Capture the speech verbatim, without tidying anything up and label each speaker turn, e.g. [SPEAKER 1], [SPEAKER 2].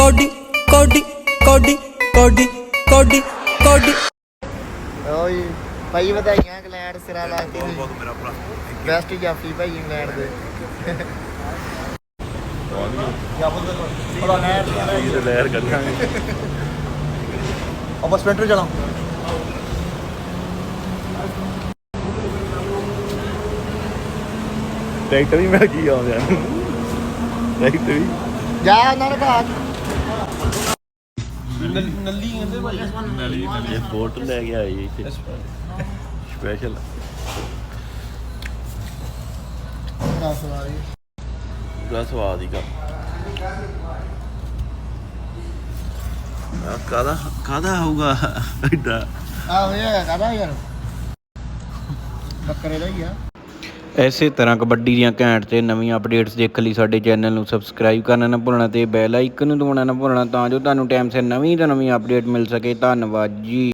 [SPEAKER 1] Cody ਕੋਡੀ ਕੋਡੀ ਕੋਡੀ ਕੋਡੀ ਕੋਡੀ।
[SPEAKER 2] ਓਏ ਭਾਈ ਵਧਾਈਆਂ ਇੰਗਲੈਂਡ ਸਿਰਾ ਲਾ ਕੇ
[SPEAKER 3] ਬਹੁਤ ਮੇਰਾ ਭਰਾ
[SPEAKER 2] ਬੈਸਟ ਜਾਫੀ ਭਾਈ ਇੰਗਲੈਂਡ ਦੇ।
[SPEAKER 3] ਬੜਾ ਨਹਿਰ ਲਹਿਰ ਕੱਢਾਂਗੇ
[SPEAKER 4] ਆਪਾਂ ਸਪੈਂਟਰ ਜਾਣਾ।
[SPEAKER 3] ਟਰੈਕਟਰ ਵੀ ਮਿਲ ਗਈ ਆਉਂਦਿਆਂ ਨੂੰ ਟਰੈਕਟਰ ਵੀ
[SPEAKER 2] ਜਾ ਉਹਨਾਂ ਨੇ ਬਾਤ
[SPEAKER 4] ਨੱਲੀ ਕਹਿੰਦੇ ਭਾਈ।
[SPEAKER 3] ਨਲੀ ਨਲੀ ਬੋਟ ਲੈ ਕੇ ਆਈ ਇੱਥੇ ਸਪੈਸ਼ਲ
[SPEAKER 2] ਦਸ ਵਾਰੀ
[SPEAKER 3] ਦਾ ਸਵਾਦ ਹੀ ਕਾ ਕਾਦਾ ਕਾਦਾ ਹੋਊਗਾ ਐਡਾ
[SPEAKER 2] ਆਹ ਹੋਇਆ ਕਾਹਦਾ ਯਾਰ ਬੱਕਰੇ ਦਾ ਹੀ ਆ।
[SPEAKER 5] ਇਸੇ ਤਰ੍ਹਾਂ ਕਬੱਡੀ ਦੀਆਂ ਘੈਂਟ ਤੇ ਨਵੀਆਂ ਅਪਡੇਟਸ ਦੇਖਣ ਲਈ ਸਾਡੇ ਚੈਨਲ ਨੂੰ ਸਬਸਕ੍ਰਾਈਬ ਕਰਨਾ ਨਾ ਭੁੱਲਣਾ ਤੇ ਬੈਲ ਆਈਕਨ ਨੂੰ ਦਬਾਉਣਾ ਨਾ ਭੁੱਲਣਾ ਤਾਂ ਜੋ ਤੁਹਾਨੂੰ ਟਾਈਮ ਸਿਰ ਨਵੀਂ ਤੋਂ ਨਵੀਂ ਅਪਡੇਟ ਮਿਲ ਸਕੇ। ਧੰਨਵਾਦ ਜੀ।